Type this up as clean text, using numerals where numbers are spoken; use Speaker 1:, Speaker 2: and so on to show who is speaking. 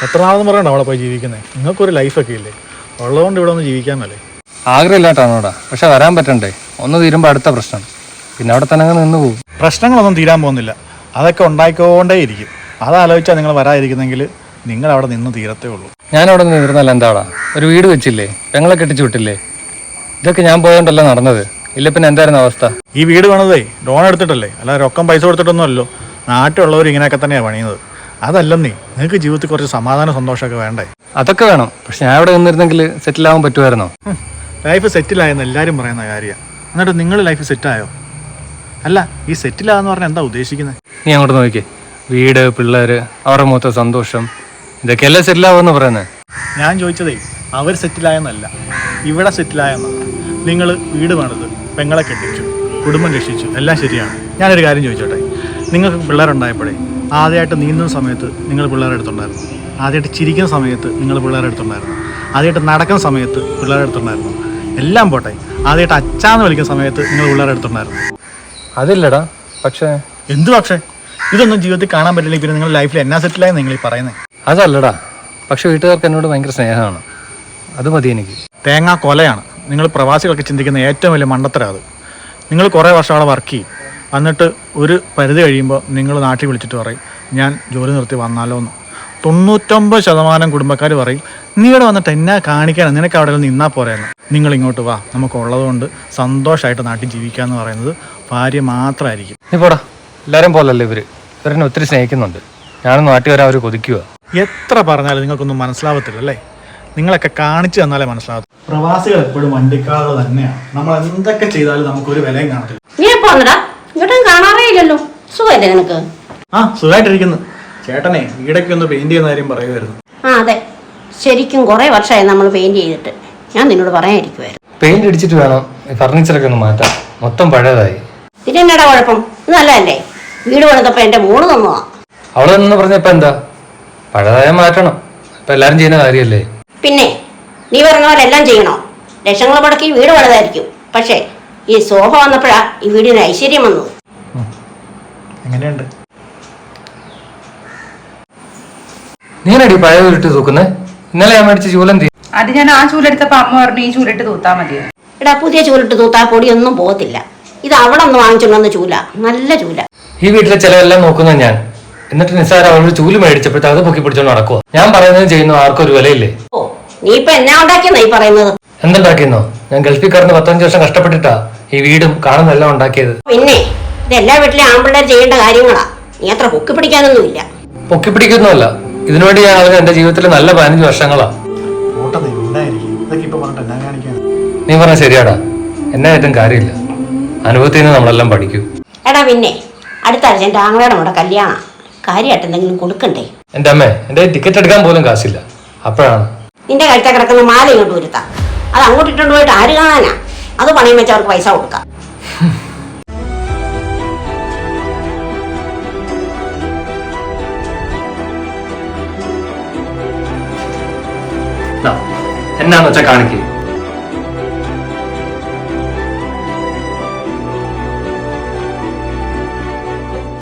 Speaker 1: എത്ര നാളെന്ന് പറയണ്ട അവിടെ പോയി ജീവിക്കുന്നത്? നിങ്ങൾക്കൊരു ലൈഫൊക്കെ ഇല്ലേ? ഉള്ളതുകൊണ്ട് ഇവിടെ ഒന്ന് ജീവിക്കാമല്ലേ?
Speaker 2: ആഗ്രഹമില്ലാട്ടാണോടാ, പക്ഷെ വരാൻ പറ്റണ്ടേ. ഒന്ന് തീരുമ്പോൾ അടുത്ത പ്രശ്നം, പിന്നെ അവിടെ തന്നെ നിന്ന് പോകും.
Speaker 1: പ്രശ്നങ്ങളൊന്നും തീരാൻ പോകുന്നില്ല, അതൊക്കെ ഉണ്ടായിക്കൊണ്ടേയിരിക്കും. അതാലോചിച്ചാൽ നിങ്ങൾ വരാതിരിക്കുന്നെങ്കിൽ നിങ്ങൾ അവിടെ നിന്ന് തീരത്തേ ഉള്ളൂ.
Speaker 2: ഞാനവിടെ നിന്ന് ഇരുന്നല്ല എന്താടാ, ഒരു വീട് വെച്ചില്ലേ, പെങ്ങളെ കെട്ടിച്ചു വിട്ടില്ലേ. ഇതൊക്കെ ഞാൻ പോയോണ്ടല്ല നടന്നത്. ഇല്ല പിന്നെ എന്തായിരുന്നു അവസ്ഥ?
Speaker 1: ഈ വീട് വേണതേ ലോൺ എടുത്തിട്ടല്ലേ, അല്ല രൊക്കം പൈസ കൊടുത്തിട്ടൊന്നും അല്ലോ. നാട്ടിലുള്ളവർ ഇങ്ങനെയൊക്കെ തന്നെയാണ് പണിയുന്നത്. അതല്ലെന്നേ, നിങ്ങൾക്ക് ജീവിതത്തിൽ കുറച്ച് സമാധാന സന്തോഷമൊക്കെ വേണ്ടേ?
Speaker 2: അതൊക്കെ വേണം, പക്ഷെ ഞാൻ ഇവിടെ നിന്നിരുന്നെങ്കിൽ സെറ്റിൽ ആവാൻ പറ്റുമായിരുന്നോ?
Speaker 1: ലൈഫ് സെറ്റിലായെന്ന് എല്ലാവരും പറയുന്ന കാര്യമാണ്. എന്നിട്ട് നിങ്ങൾ ലൈഫ് സെറ്റായോ? അല്ല, ഈ സെറ്റിലാന്ന് പറഞ്ഞാൽ എന്താ ഉദ്ദേശിക്കുന്നത്?
Speaker 2: നീ അങ്ങോട്ട് നോക്കിയേ, വീട്, പിള്ളേര്, അവരുടെ മൊത്തം സന്തോഷം, ഇതൊക്കെയല്ലേ സെറ്റിലാവെന്ന് പറയുന്നത്.
Speaker 1: ഞാൻ ചോദിച്ചതേ അവർ സെറ്റിലായെന്നല്ല, ഇവിടെ സെറ്റിലായെന്നാണ്. നിങ്ങൾ വീട് പണിത്, പെങ്ങളെ കെട്ടിച്ചു, കുടുംബം രക്ഷിച്ചു, എല്ലാം ശരിയാണ്. ഞാനൊരു കാര്യം ചോദിച്ചോട്ടെ, നിങ്ങൾക്ക് പിള്ളേരുണ്ടായപ്പോഴേ ആദ്യമായിട്ട് നീന്തുന്ന സമയത്ത് നിങ്ങൾ പിള്ളേരെ അടുത്തുണ്ടായിരുന്നു? ആദ്യമായിട്ട് ചിരിക്കുന്ന സമയത്ത് നിങ്ങൾ പിള്ളേരെ അടുത്തുണ്ടായിരുന്നു? ആദ്യമായിട്ട് നടക്കുന്ന സമയത്ത് പിള്ളേരെ അടുത്തുണ്ടായിരുന്നു? എല്ലാം പോട്ടെ, ആദ്യമായിട്ട് അച്ചാന്ന് വിളിക്കുന്ന സമയത്ത് നിങ്ങൾ പിള്ളേരെ അടുത്തുണ്ടായിരുന്നു?
Speaker 2: അതില്ലടാ. പക്ഷേ
Speaker 1: എന്തു പക്ഷേ? ഇതൊന്നും ജീവിതത്തിൽ കാണാൻ പറ്റില്ലെങ്കിൽ പിന്നെ നിങ്ങൾ ലൈഫിൽ എന്നാ സെറ്റിലായെന്ന് നിങ്ങൾ ഈ പറയുന്നത്?
Speaker 2: അതല്ലടാ, പക്ഷെ വീട്ടുകാർക്ക് എന്നോട് ഭയങ്കര സ്നേഹമാണ്, അത് മതി എനിക്ക്.
Speaker 1: തേങ്ങാ കൊലയാണ് നിങ്ങൾ പ്രവാസികളൊക്കെ ചിന്തിക്കുന്ന ഏറ്റവും വലിയ മണ്ടത്തരം. അത് നിങ്ങൾ കുറേ വർഷം അവിടെ വർക്ക് ചെയ്യും, എന്നിട്ട് ഒരു പരിധി കഴിയുമ്പോൾ നിങ്ങൾ നാട്ടിൽ വിളിച്ചിട്ട് പറയും ഞാൻ ജോലി നിർത്തി വന്നാലോ എന്ന്. 99% കുടുംബക്കാർ പറയും നീ ഇവിടെ വന്നിട്ട് എന്നാ കാണിക്കാനാണ്, നിനക്ക് അവിടെ നിന്നാൽ പോരെയെന്ന്. നിങ്ങൾ ഇങ്ങോട്ട് വാ, നമുക്കുള്ളത് കൊണ്ട് സന്തോഷമായിട്ട് നാട്ടിൽ ജീവിക്കാമെന്ന് പറയുന്നത് ഭാര്യ മാത്രമായിരിക്കും.
Speaker 2: നീ പോടാ, എല്ലാവരും പോലല്ലേ ഇവരെന്നെ ഒത്തിരി സ്നേഹിക്കുന്നുണ്ട്. ഞാനും നാട്ടിൽ വരാൻ അവർ കൊതിക്കുക.
Speaker 1: എത്ര പറഞ്ഞാലും നിങ്ങൾക്കൊന്നും മനസ്സിലാവത്തില്ല അല്ലേ? നിങ്ങളൊക്കെ കാണിച്ചു തന്നാലേ മനസ്സിലാവത്തു. പ്രവാസികൾ എപ്പോഴും വണ്ടിക്കാറുകൾ തന്നെയാണ്. നമ്മൾ എന്തൊക്കെ ചെയ്താലും നമുക്കൊരു വിലയും കാണത്തില്ല.
Speaker 3: കാണാറേ ഇല്ലല്ലോ. സുഖല്ലേ നിനക്ക്?
Speaker 1: ആ, സുഖമായിട്ടിരിക്കുന്നു. ചേട്ടനെ വീടൊക്കെ ഒന്ന് പെയിന്റ് ചെയ്യുന്ന കാര്യം പറയുമായിരുന്നു.
Speaker 3: ആ അതെ, ശരിക്കും കുറെ വർഷമായി നമ്മൾ പെയിന്റ് ചെയ്തിട്ട്. ഞാൻ നിന്നോട് പറയാനിരിക്കുവായിരുന്നു.
Speaker 2: പെയിന്റ് അടിച്ചിട്ട് വേണം ഫർണിച്ചറൊക്കെ ഒന്ന് മാറ്റാൻ, മൊത്തം പഴയതായി.
Speaker 3: ഇതിനെന്നാടാ കുഴപ്പം? ഇത് നല്ലതല്ലേ? വീട് പണിതപ്പോ എന്റെ മോള് തന്നതാ.
Speaker 2: അവളെ നിന്ന് പറഞ്ഞപ്പോ എന്താ, പഴയതായ മാറ്റണം, ഇപ്പൊ എല്ലാരും ചെയ്യുന്ന കാര്യമല്ലേ.
Speaker 3: പിന്നെ നീ പറഞ്ഞ പോലെ എല്ലാം ചെയ്യണോ? ലക്ഷങ്ങൾ മുടക്കി വീട് പണിതായിരിക്കും, പക്ഷേ ഈ സോഫ വന്നപ്പോഴാ ഈ വീടിന് ഐശ്വര്യം വന്നത്.
Speaker 1: എങ്ങനെയുണ്ട്?
Speaker 2: നീനടി പഴയ വീട്ട് തൂക്കുന്നേ? ഇന്നലെ ഞാൻ മേടിച്ച ചൂലം തീ.
Speaker 4: അത് ഞാൻ ആ ചൂലെടുത്തപ്പോ അമ്മ പറഞ്ഞു ഈ ചൂലിട്ട് തൂത്താ മതിയോ.
Speaker 3: എടാ, പുതിയ ചൂലിട്ട് തൂത്താ പൊടിയൊന്നും പോകത്തില്ല. ഇത് അവിടെ ഒന്ന് വാങ്ങിച്ചോണ്ട് ചൂല, നല്ല ചൂല.
Speaker 2: ഈ വീട്ടിലെ ചെലവെല്ലാം നോക്കുന്ന ഞാൻ, എന്നിട്ട് നിസ്സാര അവളൊരു ചൂല് മേടിച്ചപ്പോഴത്തെ അത് പൊക്കി പിടിച്ചോണ്ട് നടക്കുക. ഞാൻ പറയുന്നത് ചെയ്യുന്നു, ആർക്കും ഒരു വിലയില്ലേ.
Speaker 3: ഓ, നീ ഇപ്പൊ എന്നാ ഉണ്ടാക്കിയെന്നാ ഈ പറയുന്നത്?
Speaker 2: എന്തുണ്ടാക്കിയെന്നോ? ഞാൻ ഗൾഫിൽ കടന്ന് 15 വർഷം കഷ്ടപ്പെട്ടിട്ടാ ഈ വീടും കാണുന്നെല്ലാം ഉണ്ടാക്കിയത്.
Speaker 3: പിന്നെ ഇതെല്ലാ വീട്ടിലെ ആൺപിള്ളേർ ചെയ്യേണ്ട കാര്യങ്ങളാ. നീ അത്ര പൊക്കി പിടിക്കാനൊന്നുമില്ല.
Speaker 2: പൊക്കി പിടിക്കുന്നല്ല, ഇതിനുവേണ്ടി ഞാൻ ആളുകൾ എന്റെ ജീവിതത്തിലെ നല്ല 15 വർഷങ്ങളാ. നീ പറഞ്ഞ ശരിയാടാ, എന്നെ ഏറ്റവും കാര്യമില്ല. അനുഭവത്തിൽ നിന്ന് നമ്മളെല്ലാം പഠിക്കും.
Speaker 3: എടാ പിന്നെ അടുത്ത ആഴ്ച എന്റെ ആങ്ങളയുടെ കൂടെ കല്യാണം, കാര്യമായിട്ട് എന്തെങ്കിലും കൊടുക്കണ്ടേ?
Speaker 2: എന്റെ അമ്മേ, എന്റെ ടിക്കറ്റ് എടുക്കാൻ പോലും കാശില്ല. അപ്പോഴാണ്
Speaker 3: നിന്റെ കഴുത്ത കിടക്കുന്ന മാല ഇങ്ങോട്ട് വരുത്താം. അത് അങ്ങോട്ട് ഇട്ടോണ്ട് പോയിട്ട് ആര് കാണാനാ? അത് പണയം വെച്ച് അവർക്ക് പൈസ കൊടുക്കാം.
Speaker 2: എന്നാന്ന് വെച്ചാ കാണിക്കേ.